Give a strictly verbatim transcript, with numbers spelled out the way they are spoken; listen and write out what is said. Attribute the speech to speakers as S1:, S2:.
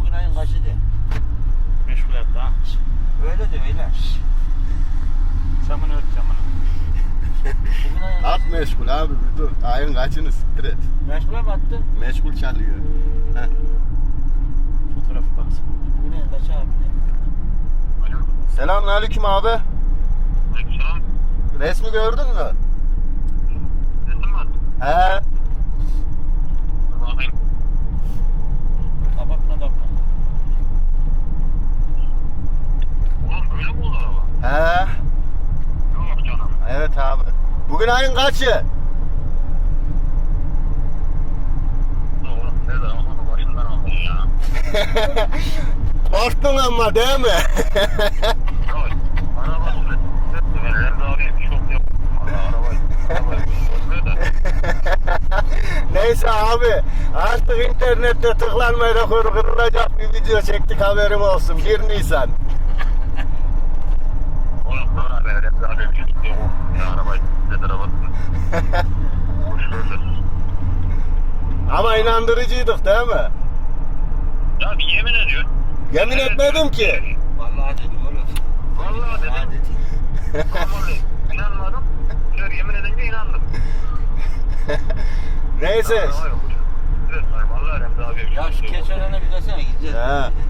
S1: Bugün ayın kaçıydı?
S2: Meşgul etti ha.
S1: Öyle de öyle.
S2: Camını ört camını.
S1: Bugün ayın
S3: At meşgul abi bir dur. Ayın kaçını siktir et.
S1: meşgule mi attın?
S3: Meşgul çalıyor. Heh.
S2: Fotoğrafı baksana.
S1: Bugün ayın kaçı abi?
S3: Selamünaleyküm abi.
S4: Aleykümselam.
S3: Resmi gördün mü?
S4: Resim mi attın?
S3: He.
S4: Dur bakayım.
S1: Kapatma kapatma.
S4: Oğlum böyle mi oldu araba?
S3: He.
S4: Yok canım.
S3: Evet abi. Bugün ayın kaçı?
S4: Oğlum nerede ama başından aldın ya.
S3: Korktun ama değil mi?
S4: Yok. Araba sürekli. Ben Remzi abiye bir şok yok. Valla arabayı. Arabayı görmüyor da.
S3: Neyse abi. Artık internette tıklanma rekoru kırılacak bir video çektik haberim olsun. bir Nisan.
S4: Oğlum sonra ben Remzi abiye bir şok yok. Ya arabayı. Nedir arabasını? Hoş gördüm.
S3: Ama inandırıcıydık değil mi?
S4: Ya bir yemin ediyor.
S3: Yemin etmedim ki.
S1: Vallahi dedim oğlum.
S4: Vallahi dedim.
S1: Vallahi dedim.
S4: Vallahi inanmadım. Şöyle yemin edince inandım.
S3: Neyse.
S4: Araba yok. Evet, vallahi Remzi abiye bir
S1: Ya
S4: şok
S1: şu
S4: yok.
S1: keçölene bir desene gideceğiz.
S3: He.